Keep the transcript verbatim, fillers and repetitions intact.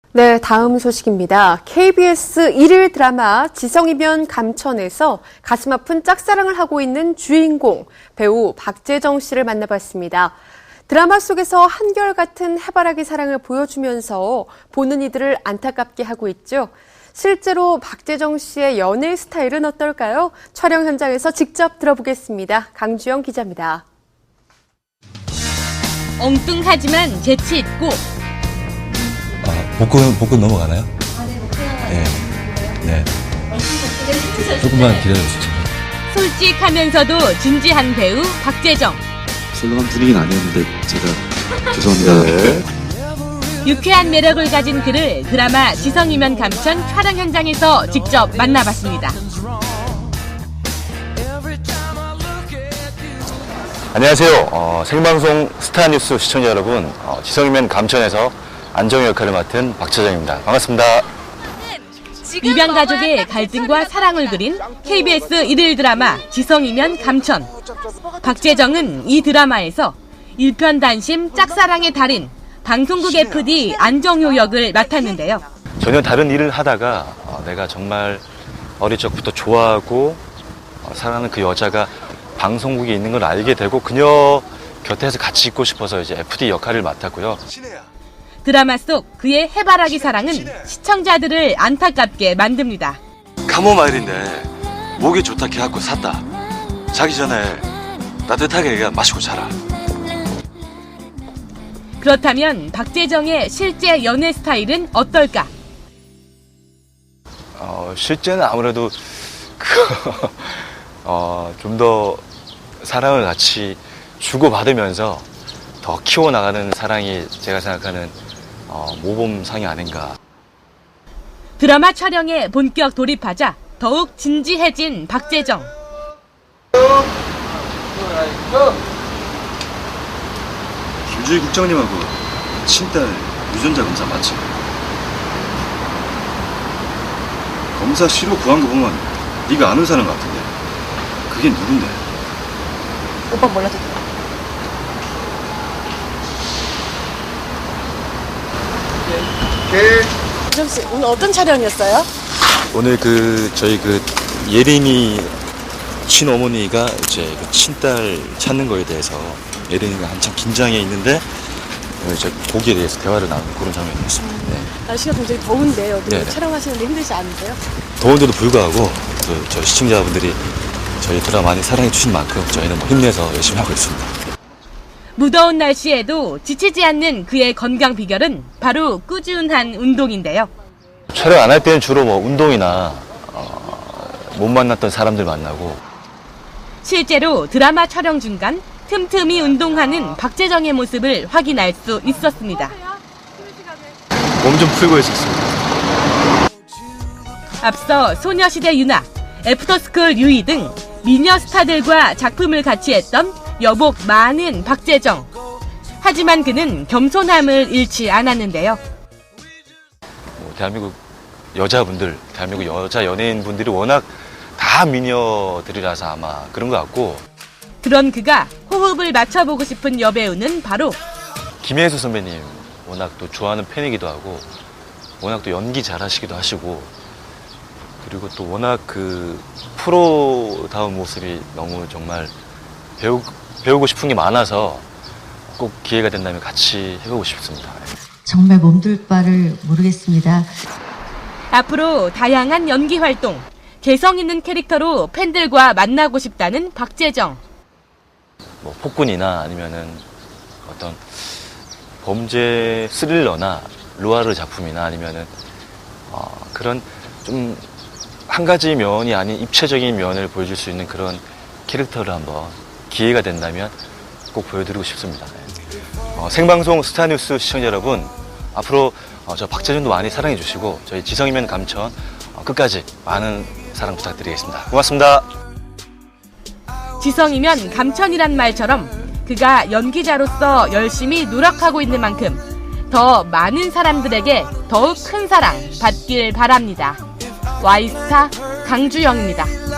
네, 다음 소식입니다. 케이비에스 일일 드라마 지성이면 감천에서 가슴 아픈 짝사랑을 하고 있는 주인공 배우 박재정 씨를 만나봤습니다. 드라마 속에서 한결같은 해바라기 사랑을 보여주면서 보는 이들을 안타깝게 하고 있죠. 실제로 박재정 씨의 연애 스타일은 어떨까요? 촬영 현장에서 직접 들어보겠습니다. 강주영 기자입니다. 엉뚱하지만 재치 있고 아, 복근, 복근 넘어가나요? 아, 네, 복근 네. 네. 네. 조금만 기다려주세요. 솔직하면서도 진지한 배우 박재정. 썰렁한 분위기는 아니었는데 제가 죄송합니다. 네. 유쾌한 매력을 가진 그를 드라마 지성이면 감천 촬영 현장에서 직접 만나봤습니다. 안녕하세요. 어, 생방송 스타뉴스 시청자 여러분, 어, 지성이면 감천에서 안정우 역할을 맡은 박재정입니다. 반갑습니다. 입양 가족의 갈등과 사랑을 그린 케이비에스 일일 드라마 지성이면 감천. 박재정은 이 드라마에서 일편단심 짝사랑의 달인 방송국 에프디 안정효 역을 맡았는데요. 전혀 다른 일을 하다가 어, 내가 정말 어릴 적부터 좋아하고 어, 사랑하는 그 여자가 방송국에 있는 걸 알게 되고 그녀 곁에서 같이 있고 싶어서 이제 에프디 역할을 맡았고요. 드라마 속 그의 해바라기 사랑은 시청자들을 안타깝게 만듭니다. 카모마일인데 목이 좋다 해갖고 샀다. 자기 전에 따뜻하게 그냥 마시고 자라. 그렇다면 박재정의 실제 연애 스타일은 어떨까? 어, 실제는 아무래도 그, 어, 좀 더 사랑을 같이 주고받으면서 더 키워나가는 사랑이 제가 생각하는 어, 모범상이 아닌가. 드라마 촬영에 본격 돌입하자 더욱 진지해진 박재정. 김주희 국장님하고 친딸 유전자 검사 맞지? 검사 시로 구한 거 보면 네가 아는 사람 같은데 그게 누군데? 오빠 몰라도 돼. 재정 씨, 오늘 어떤 촬영이었어요? 오늘 그, 저희 그, 예린이 친어머니가 이제 그 친딸 찾는 거에 대해서 예린이가 한참 긴장해 있는데, 이제 거기에 대해서 대화를 나누는 그런 장면이었습니다. 네. 날씨가 굉장히 더운데 여기 네네. 촬영하시는데 힘들지 않으세요? 더운데도 불구하고, 그, 저희 시청자분들이 저희 드라마 많이 사랑해 주신 만큼 저희는 뭐 힘내서 열심히 하고 있습니다. 무더운 날씨에도 지치지 않는 그의 건강 비결은 바로 꾸준한 운동인데요. 촬영 안 할 때는 주로 뭐 운동이나 어, 못 만났던 사람들 만나고. 실제로 드라마 촬영 중간 틈틈이 운동하는 박재정의 모습을 확인할 수 있었습니다. 몸 좀 풀고 있었습니다. 앞서 소녀시대 유나, 애프터스쿨 유이 등 미녀 스타들과 작품을 같이 했던 여복 많은 박재정. 하지만 그는 겸손함을 잃지 않았는데요. 뭐 대한민국 여자분들, 대한민국 여자 연예인분들이 워낙 다 미녀들이라서 아마 그런 것 같고. 그런 그가 호흡을 맞춰보고 싶은 여배우는 바로 김혜수 선배님 워낙 또 좋아하는 팬이기도 하고 워낙 또 연기 잘하시기도 하시고 그리고 또 워낙 그 프로다운 모습이 너무 정말 배우, 배우고 싶은 게 많아서 꼭 기회가 된다면 같이 해보고 싶습니다. 정말 몸둘 바를 모르겠습니다. 앞으로 다양한 연기 활동, 개성 있는 캐릭터로 팬들과 만나고 싶다는 박재정. 뭐 폭군이나 아니면은 어떤 범죄 스릴러나 루아르 작품이나 아니면은 어 그런 좀 한 가지 면이 아닌 입체적인 면을 보여줄 수 있는 그런 캐릭터를 한번 기회가 된다면 꼭 보여드리고 싶습니다. 어, 생방송 스타뉴스 시청자 여러분, 앞으로 어, 저 박재정도 많이 사랑해 주시고 저희 지성이면 감천 어, 끝까지 많은 사랑 부탁드리겠습니다. 고맙습니다. 지성이면 감천이란 말처럼 그가 연기자로서 열심히 노력하고 있는 만큼 더 많은 사람들에게 더욱 큰 사랑 받길 바랍니다. 와이스타 강주영입니다.